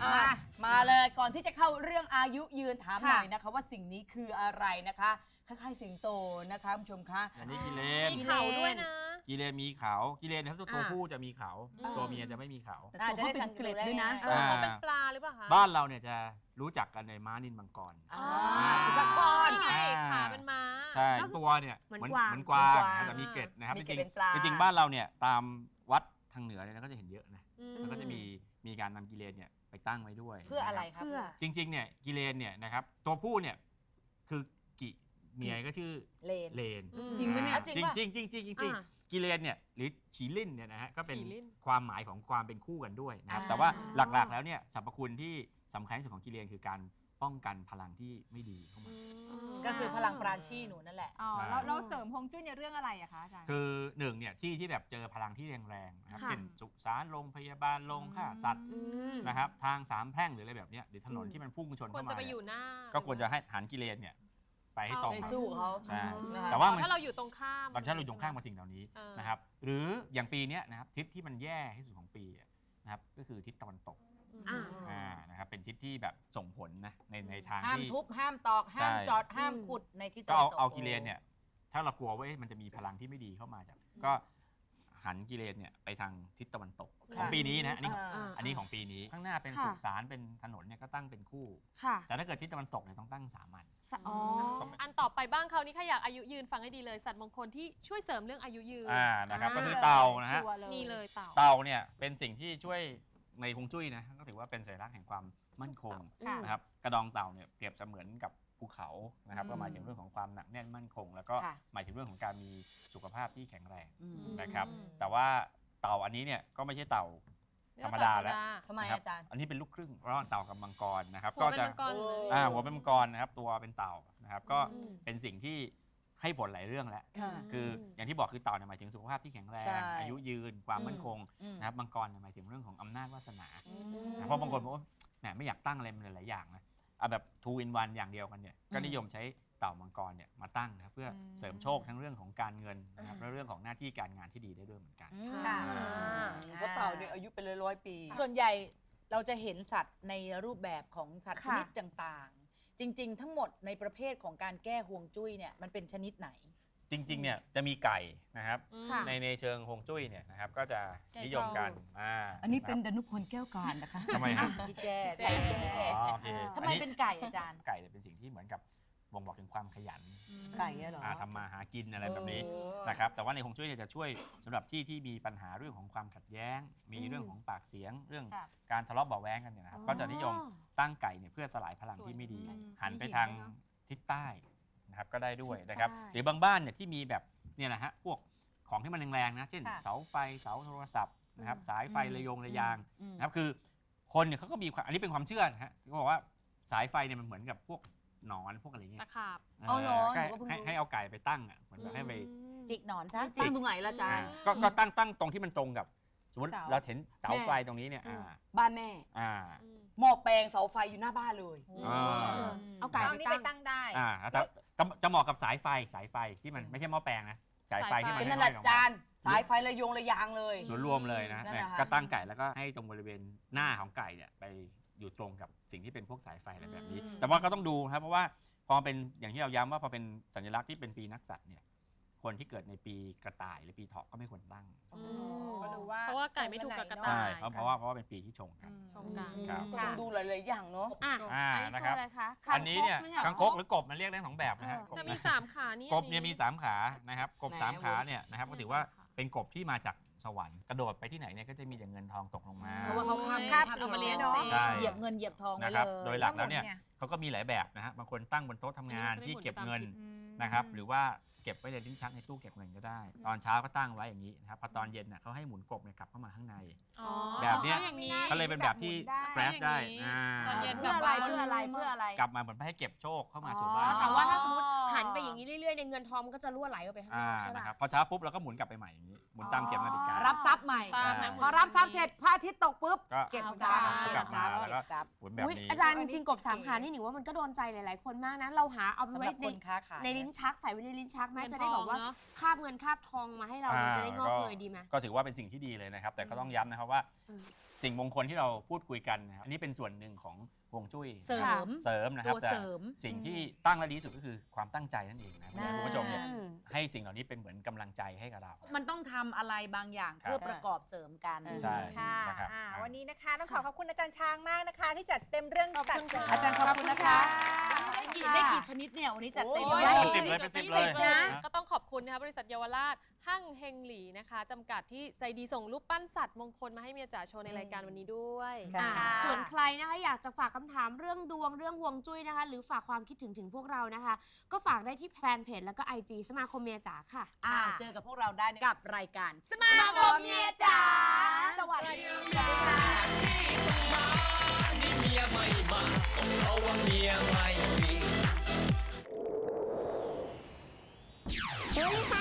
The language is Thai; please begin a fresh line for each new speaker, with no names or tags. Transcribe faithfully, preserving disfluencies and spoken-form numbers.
มามาเลยก่อนที่จะเข้าเรื่องอายุยืนถามหน่อยนะคะว่าสิ่งนี้คืออะไรนะคะคล้ายๆสิงโตนะคะคุณผู้ชมคะ
อันนี้กิเลน
มีเขาด้วยนะ
กิเลนมีเขากิเลนนะครับตัวผู้จะมีเขาตัวเมียจะไม่มีเขา
จะได้สังเกตด้วยนะ
เขาเป็นปลาหรือเปล่าคะ
บ้านเราเนี่ยจะรู้จักกันในม้านิลมังกร
สุสคร
ไงขาเป็นม้า
ใช่ตัวเนี่ยเหมือนเหมือนกวางแต่มีเกล็ดนะครับจริงจริงบ้านเราเนี่ยตามวัดทางเหนือเนี่ยก็จะเห็นเยอะนะแล้วก็จะมีมีการนำกิเลนเนี่ยไปตั้งไว้ด้วย
เพื่ออะไรครับ
จริงๆเนี่ยกิเลนเนี่ยนะครับตัวผู้เนี่ยคือกิเมียก็ชื่อเลนเลน
จริงไหมเนี่ย
จริงจริงจริงจริงจริงกิเลนเนี่ยหรือฉีลิ่นเนี่ยนะฮะก็เป็นความหมายของความเป็นคู่กันด้วยนะครับแต่ว่าหลักๆแล้วเนี่ยสรรพคุณที่สำคัญที่สุดของกิเลนคือการป้องกันพลังที่ไม่ดีเข้ามา
ก็คือพลังปราณชีหนูนั่นแหละ
อ๋อแล้วเราเสริมฮวงจุ้ยในเรื่องอะไรอะคะอาจารย์
คือหนึ่งเนี่ยที่ที่แบบเจอพลังที่แรงๆนะครับเช่นสุสานโรงพยาบาลโรงฆ่าสัตว์นะครับทางสามแพร่งหรืออะไรแบบนี้หรือถนนที่มันพุ่งชนเข้ามาควร
จะไปอยู่หน้า
ก็ควรจะให้หันกิเลนเนี่ยไปให้ตรง
ไปสู้เขา
ใช่
แต่ว่าถ้าเราอยู่ตรงข้าม
ตอนที่เราอยู่ตรงข้ามกับสิ่งเหล่านี้นะครับหรืออย่างปีนี้นะครับทิศที่มันแย่ที่สุดของปีนะครับก็คือทิศตะวันตกอ่านะครับเป็นทิศที่แบบส่งผลนะในในทางที่
ห้ามทุบห้ามตอกห้ามจอดห้ามขุดในทิศตะ
วันตกก็เอากิเลนเนี่ยถ้าเรากลัวว่ามันจะมีพลังที่ไม่ดีเข้ามาจากก็หันกิเลนเนี่ยไปทางทิศตะวันตกของปีนี้นะอันนี้อันนี้ของปีนี้ข้างหน้าเป็นสุสานเป็นถนนเนี่ยก็ตั้งเป็นคู่แต่ถ้าเกิดทิศตะวันตกเนี่ยต้องตั้งสามัญ
อันต่อไปบ้างเขานี่ถ้าอยากอายุยืนฟังให้ดีเลยสัตว์มงคลที่ช่วยเสริมเรื่องอายุยืน
อ่านะครับก็คือเต่านะฮะ
นี่เลยเต่า
เต่าเนี่ยเป็นสิ่งที่ช่วยในฮวงจุ้ยนะก็ถือว่าเป็นสัญลักษณ์แห่งความมั่นคงนะครับกระดองเต่าเนี่ยเปรียบเสมือนกับภูเขานะครับก็หมายถึงเรื่องของความหนักแน่นมั่นคงแล้วก็หมายถึงเรื่องของการมีสุขภาพที่แข็งแรงนะครับแต่ว่าเต่าอันนี้เนี่ยก็ไม่ใช่เต่าธรรมดาแล้ว
ทำไมอาจารย์
อันนี้เป็นลูกครึ่งระหว่างเต่ากับมังกรนะครับก็จะอ่าหัวเป็นมังกรนะครับตัวเป็นเต่านะครับก็เป็นสิ่งที่ให้ผลหลายเรื่องแล้วคืออย่างที่บอกคือเต่าเนี่ยหมายถึงสุขภาพที่แข็งแรงอายุยืนความมั่นคงนะครับมังกรหมายถึงเรื่องของอำนาจวาสนาเพราะบางคนบอกว่าแหมไม่อยากตั้งอะไรมันหลายอย่างนะเอาแบบ two in one อย่างเดียวกันเนี่ยก็นิยมใช้เต่ามังกรเนี่ยมาตั้งนะครับเพื่อเสริมโชคทั้งเรื่องของการเงินนะครับและเรื่องของหน้าที่การงานที่ดีได้ด้วยเหมือนกัน
เพราะเต่าเนี่ยอายุเป็นร้อยๆปีส่วนใหญ่เราจะเห็นสัตว์ในรูปแบบของสัตว์ชนิดต่างๆจริงๆทั้งหมดในประเภทของการแก้ฮวงจุ้ยเนี่ยมันเป็นชนิดไหน
จริงๆเนี่ยจะมีไก่นะครับในในเชิงฮวงจุ้ยเนี่ยนะครับก็จะนิยมกันอ่า
อันนี้เป็นดนุพลแก้วการนะคะ
ทำไมฮะ
พี่แก้ไก่ทำไมเป็นไก่อาจารย์
ไก่เป็นสิ่งที่เหมือนกับบ่งบอกถึงความขยัน
ไก่เหรอ
ทำมาหากินอะไรแบบนี้นะครับแต่ว่าในฮวงจุ้ยเนี่ยจะช่วยสำหรับที่ที่มีปัญหาเรื่องของความขัดแย้งมีเรื่องของปากเสียงเรื่องการทะเลาะเบาะแว้งกันเนี่ยนะครับก็จะนิยมตั้งไก่เนี่ยเพื่อสลายพลังที่ไม่ดีหันไปทางทิศใต้นะครับก็ได้ด้วยนะครับหรือบางบ้านเนี่ยที่มีแบบเนี่ยนะฮะพวกของที่มันแรงๆนะเช่นเสาไฟเสาโทรศัพท์นะครับสายไฟระยงระยางนะครับคือคนเนี่ยเขาก็มีอันนี้เป็นความเชื่อนะฮะเขาบอกว่าสายไฟเนี่ยมันเหมือนกับพวกหนอนพวกอะไรเงี้ย
ตะขาบ
เอาหรอ
ให้ให้เอาไก่ไปตั้งอ่ะเหมือนแบบให้ไป
จิกหนอนซะจิกตรงไหนล่ะอาจารย์
ก็ตั้งตั้งตรงที่มันตรงกับสมมติเราเห็นเสาไฟตรงนี้เนี่ย
บ้านแม่หม้อแปลงเสาไฟอยู่หน้าบ้านเลย
เอาไก่เอานี่ไปตั้งได้
แต่จะเหมาะกับสายไฟสายไฟที่มันไม่ใช่หม้อแปลงนะสายไฟที่มัน
เป็นนั่นแหละอาจารย์สายไฟระยงระยางเลย
ส่วนรวมเลยนะก็ตั้งไก่แล้วก็ให้ตรงบริเวณหน้าของไก่เนี่ยไปอยู่ตรงกับสิ่งที่เป็นพวกสายไฟอะไรแบบนี้แต่ว่าก็ต้องดูครับเพราะว่าพอเป็นอย่างที่เราย้ำว่าพอเป็นสัญลักษณ์ที่เป็นปีนักสัตว์เนี่ยคนที่เกิดในปีกระต่ายหรือปีเถาะก็ไม่ควรตั้ง
เพราะว่าไก่ไม่ถูกกับกระต่าย
เพราะว่าเพราะว่าเป็นปีที่ชงกัน
ชงกัน
ต้องดูหลายๆอย่างเนาะ
อ่านะครับอันนี้เนี่ยคางคกหรือกบมันเรียกได้สองแบบนะฮะ
จะมีสามขานี่
กบเนี่ยมีสามขานะครับกบสามขาเนี่ยนะครับก็ถือว่าเป็นกบที่มาจากสวรรค์กระโดดไปที่ไหนเนี่ยก็จะมีแต่เงินทองตกลงมา
เพราะว่าเขาข้าม
ข้ามเอามาเลี้ยง
เหยียบเงินเหยียบทอง
นะครับโดยหลักแล้วเนี่ยเขาก็มีหลายแบบนะฮะบางคนตั้งบนโต๊ะทำงานที่เก็บเงินนะครับหรือว่าเก็บไว้ในลิ้นชักในตู้เก็บเงินก็ได้ตอนเช้าก็ตั้งไว้อย่างนี้นะครับพอตอนเย็นน่ะเขาให้หมุนกบเนี่ยกลับเข้ามาข้างในแบบนี้ก็เลยเป็นแบบที่แฟลชได้
เพื่ออะไรเพื่ออะไรเพื่ออะไร
กลับมาเหมือนให้เก็บโชคเข้ามาสู่บ้าน
แต่ว่าถ้าสมมติหันไปอย่างนี้เรื่อยๆในเงินทองมันก็จะรั่วไหลออกไปข้างนอกใช่ไหม
พอเช้าปุ๊บเราก็หมุนกลับไปใหม่อย่างนี้หมุนตามเข็มนาฬิกา
รับทรัพย์ใหม่
ตามน้ำหมุน
พอรับทรัพย์เสร็จพระอาทิตย์ตกปุ๊บ
ก็
เก็บ
เอา
ทรัพย์
ได้
กลับมาแล้วก็
เก็บทรัพย์
หมุนแบบ
อุ๊ย
นี้
อาจารย์จริงๆกบสามขานี่หนิว่ามันก็โดนใจหลายๆคนมากนะเราหาเอาไป
สำห
ไว้
รับ
ใน
คนค้าขาย
ในลิ้นชักใส่ไว้ในลิ้นชักแม้
เงิน
จะได้แบบว่า
ทองเนอะ
คาบเงินคาบทองมาให้เรา
อ่า
จะได้งอกเงยดีไหม
ก็ถือว่าเป็นสิ่งที่ดีเลยนะครับ แต่ก็ต้องย้ำนะครับว่า
อืม
สิ่งมงคลที่เราพูดคุยกันนะครับอันนี้เป็นส่วนหนึ่งของฮวงจุ้ย
เสริม
เสริมนะครับ
ตัว
แต่
เสริม
สิ่งที่ตั้งและดีที่สุดก็คือความตั้งใจนั่นเองนะครับ
อ่า
คุณผู้ชมเนี่ย
อืม
ให้สิ่งเหล่านี้เป็นเหมือนกำลังใจให้กับเรา
มันต้องทำอะไรบางอย่าง
ครับ
เพื่อประกอบเสริมกัน
ใช่
ค่ะ
นะครับ
อ่า
อ่า
วันนี้นะคะต้องขอขอบคุณอาจารย์ช้างมากนะคะ ที่จัดเต็มเรื่อง
ขอบ
สัต
คุณ
ว์เสริม
ค่ะ
อาจารย์ขอบคุณนะคะ ได้กี่ได้กี่ชนิดเนี่ยวันนี้จัดเต็ม
โอ้ย
เลย
เป็นสิบเลยเป็นสิบเลย
นะ
นะ
ก็ต้องขอบคุณนะคะบริษัทเยาวราชหั่งเฮงหลีนะคะจำกัดที่ใจดีส่งรูปปั้นสัตว์มงคลมาให้เมียจ๋าโชว์ในรายการวันนี้ด้วย
ค่ะ
อ่าส่วนใครนะคะอยากจะฝากคำถามเรื่องดวงเรื่องฮวงจุ้ยนะคะ หรือฝากความคิดถึงถึงพวกเรานะคะ ก็ฝากได้ที่แฟนเพจแล้วก็ ไอ จี สมาคมเมียจ๋าค่ะ
อ้าวเจอกับพวกเราได้กับรายการสมา
สมาคมเมียจ๋า
สวัสดีค่ะ
นี่เมียไม่มาเพราะว่าเมียไม่มี
สวัสดีค่ะ